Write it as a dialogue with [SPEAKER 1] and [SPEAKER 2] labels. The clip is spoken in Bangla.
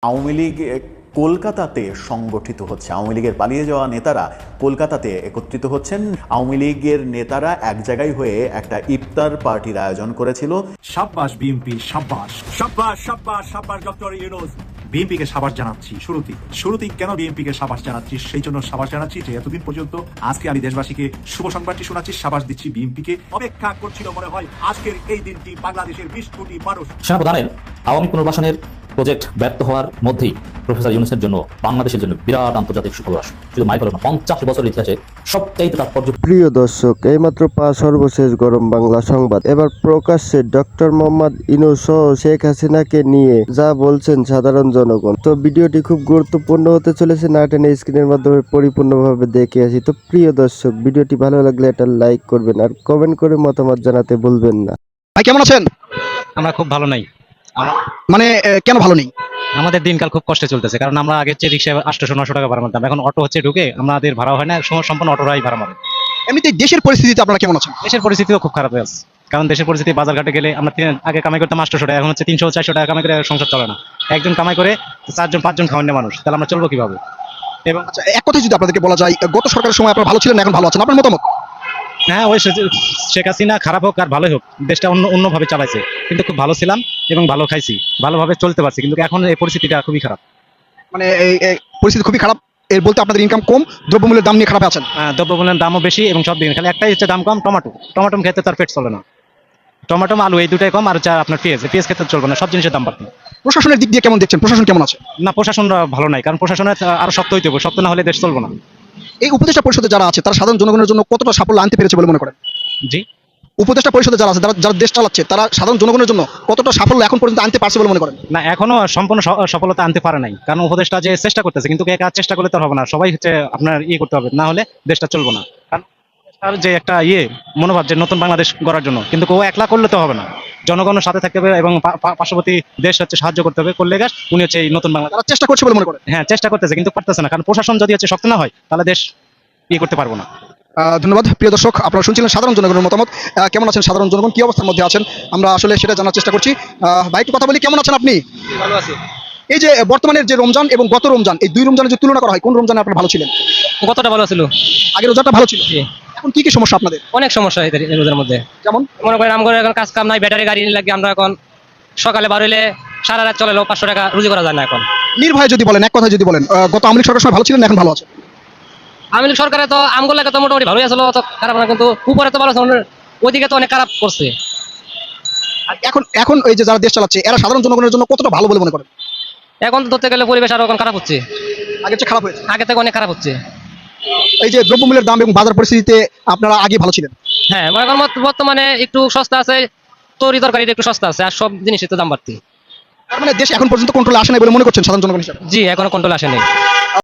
[SPEAKER 1] আওয়ামী লীগ কলকাতাতে সংগঠিত হচ্ছে। আওয়ামী লীগের পালিয়ে যাওয়া নেতারা কলকাতাতে একত্রিত হচ্ছেন। আওয়ামী লীগের নেতারা এক জায়গায় হয়ে একটা ইফতার পার্টির আয়োজন করেছিল।
[SPEAKER 2] সাব্বাস বিএনপি, সাব্বাস সাব্বাস সাব্বাস সাব্বাস ডক্টর ইউনূস। বিএনপিকে সাবাস জানাচ্ছি শুরুতেই কেন বিএনপিকে সাবাস জানাচ্ছি, সেই জন্য সাবাস জানাচ্ছি যে এতদিন পর্যন্ত আজকে আমি দেশবাসীকে শুভ সংবাদটি শোনাচ্ছি, সাবাস দিচ্ছি বিএনপিকে। অপেক্ষা করছিল মনে হয় আজকের এই দিনটি বাংলাদেশের 20 কোটি মানুষ।
[SPEAKER 3] সেনাপ্রধানের আওয়ামী পুনর্বাসনের প্রজেক্ট ব্যর্থ হওয়ার মধ্যেই প্রফেসর ইউনূসের জন্য বাংলাদেশের জন্য বিরাট আন্তর্জাতিক সুখবর। শুধু মাইল না, 50 বছরের ইতিহাসে সবচাইতে তাৎপর্য।
[SPEAKER 4] প্রিয় দর্শক, এইমাত্র সর্বশেষ গরম বাংলা সংবাদ। এবার প্রকাশ্যে ডক্টর মোহাম্মদ ইউনূস সহ শেখ হাসিনাকে নিয়ে যা বলছেন সাধারণ জনগণ। তো ভিডিওটি খুব গুরুত্বপূর্ণ হতে চলেছে, না টেনে স্ক্রিনের মাধ্যমে পরিপূর্ণভাবে দেখে আসি। তো প্রিয় দর্শক, ভিডিওটি ভালো লাগলে এটা লাইক করবেন আর কমেন্ট করে মতামত জানাতে ভুলবেন না।
[SPEAKER 5] ভাই কেমন আছেন?
[SPEAKER 6] আমরা খুব ভালো নাই।
[SPEAKER 5] মানে কেন ভালো নেই?
[SPEAKER 6] আমাদের দিনকাল খুব কষ্টে চলতেছে, কারণ আমরা আগে হচ্ছে রিক্সায় 800-900 টাকা ভাড়া মারতাম, এখন অটো হচ্ছে ঢুকে আমাদের ভাড়া হয় না, সম্পূর্ণ অটোরাই ভাড়া মারে।
[SPEAKER 5] এমনিতে দেশের পরিস্থিতিতে আপনারা কেমন আছেন?
[SPEAKER 6] দেশের পরিস্থিতিও খুব খারাপ হয়ে আছে, কারণ দেশের পরিস্থিতি বাজারঘাটে গেলে আমরা আগে কামাই করতাম 800 টাকা, এখন হচ্ছে 300-400 টাকা কামাই করে সংসার চলে না। একজন কামাই করে 4-5 খাওয়ানো মানুষ, তাহলে আমরা চলবো কিভাবে? এবং
[SPEAKER 5] আচ্ছা, এক কথায় যদি আপনাদেরকে বলা যায়, গত সরকারের সময় আপনারা ভালো ছিলেন, এখন ভালো আছেন, আপনার মতামত?
[SPEAKER 6] হ্যাঁ, ওই শেখ হাসিনা খারাপ হোক আর ভালোই হোক, দেশটা অন্যভাবে চালাইছে, কিন্তু খুব ভালো ছিলাম এবং ভালো খাইছি, ভালোভাবে চলতে পারছি, কিন্তু এখন এই পরিস্থিতিটা খুবই খারাপ।
[SPEAKER 5] মানে এই পরিস্থিতি খুবই খারাপ এর বলতে আপনাদের ইনকাম কম, দ্রব্যমূল্যের দাম নিয়ে খারাপ আছেন?
[SPEAKER 6] দ্রব্যমূল্যের দামও বেশি এবং সব দিন খালি একটাই হচ্ছে দাম কম, টমেটো খেতে তার পেট চলে না। টমেটো আলু এই দুটাই কম, আর হচ্ছে আপনার পেঁয়াজ খেতে চলবে না, সব জিনিসের দাম বাড়তি।
[SPEAKER 5] প্রশাসনের দিক দিয়ে কেমন দেখছেন? প্রশাসন কেমন আছে?
[SPEAKER 6] না, প্রশাসনরা ভালো নাই, কারণ প্রশাসনের আরো শক্ত হইতে হবে, শক্ত না হলে দেশ চলবে না।
[SPEAKER 5] এই উপদেষ্টা পরিষদে যারা আছে তারা সাধারণ জনগণের জন্য কতটা সাফল্য আনতে পেরেছে বলে মনে করেন?
[SPEAKER 6] জি,
[SPEAKER 5] উপদেষ্টা পরিষদে যারা আছে, যারা দেশ চালাচ্ছে, তারা সাধারণ জনগণের জন্য কতটা সাফল্য এখন পর্যন্ত আনতে পারছে বলে মনে করেন?
[SPEAKER 6] না, এখনো সম্পূর্ণ সফলতা আনতে পারে নাই, কারণ উপদেশটা যে চেষ্টা করতেছে, কিন্তু একা চেষ্টা করলে তো হবে না, সবাই হচ্ছে আপনার করতে হবে, না হলে দেশটা চলবে না। কারণ তার যে একটা মনোভাব যে নতুন বাংলাদেশ গড়ার জন্য, কিন্তু ও একলা করলে তো হবে না, জনগণের সাথে থাকতে হবে এবং পার্শ্ববর্তী দেশ হচ্ছে সাহায্য করতে হবে, করলে উনি হচ্ছে এই নতুন বাংলাদেশ।
[SPEAKER 5] তারা চেষ্টা করছে বলে মনে করেন?
[SPEAKER 6] হ্যাঁ, চেষ্টা করতেছে, কিন্তু পারতেছে না, কারণ প্রশাসন যদি হচ্ছে শক্ত না হয় তাহলে দেশ করতে পারবো না।
[SPEAKER 5] ধন্যবাদ। প্রিয় দর্শক, আপনারা শুনছিলেন সাধারণ জনগণের মতামত। কেমন আছেন সাধারণ জনগণ, কি অবস্থার মধ্যে আছেন, আমরা আসলে সেটা জানার চেষ্টা করছি। ভাই একটু কথা বলি, কেমন আছেন আপনি?
[SPEAKER 6] ভালো আছি।
[SPEAKER 5] এই যে বর্তমানের যে রমজান এবং গত রমজান, এই দুই রমজানের যে তুলনা করা হয়, কোন রমজানে আপনারা ভালো ছিলেন?
[SPEAKER 6] কতটা ভালো ছিল?
[SPEAKER 5] আগের রোজাটা ভালো ছিল। এখন কি কি সমস্যা আপনাদের?
[SPEAKER 6] অনেক সমস্যা এদের রোজার মধ্যে।
[SPEAKER 5] যেমন
[SPEAKER 6] মনে করেন আমরা এখন কাজ কাম নাই, ব্যাটারি গাড়ি লাগে, আমরা এখন সকালে বার হইলে সারা রাত চলে 500 টাকা রুজি করা যায় না। এখন
[SPEAKER 5] নির্ভয়ে যদি বলেন, এক কথায় যদি বলেন, গত আওয়ামী লীগ সরকারের সময় ভালো ছিলেন, এখন ভালো আছে?
[SPEAKER 6] আওয়ামী লীগ সরকারে তো আমগুলো তো মোটামুটি ভালোই আসলো, অত খারাপ না, কিন্তু উপরে তো ভালো, ওইদিকে তো অনেক খারাপ করছে।
[SPEAKER 5] আর এখন এই যে যারা দেশ চালাচ্ছে, এরা সাধারণ জনগণের জন্য কতটা ভালো বলে মনে করেন?
[SPEAKER 6] এখন তো ধরতে গেলে পরিবেশ আরো এখন খারাপ হচ্ছে,
[SPEAKER 5] আগে চেয়ে খারাপ হয়েছে?
[SPEAKER 6] আগে থেকে অনেক খারাপ হচ্ছে।
[SPEAKER 5] এই যে দ্রব্যমূল্যের দাম এবং বাজার পরিস্থিতিতে আপনারা আগে ভালো ছিলেন?
[SPEAKER 6] হ্যাঁ, এখন বর্তমানে একটু সস্তা আছে, তরি তরকারিটা একটু সস্তা আছে, আর সব জিনিসের তো দাম বাড়তি।
[SPEAKER 5] তার মানে দেশ এখন পর্যন্ত কন্ট্রোলে আসে নাই বলে মনে করছেন সাধারণ জনগণ হিসেবে?
[SPEAKER 6] জি, এখনো কন্ট্রোল আসেনি।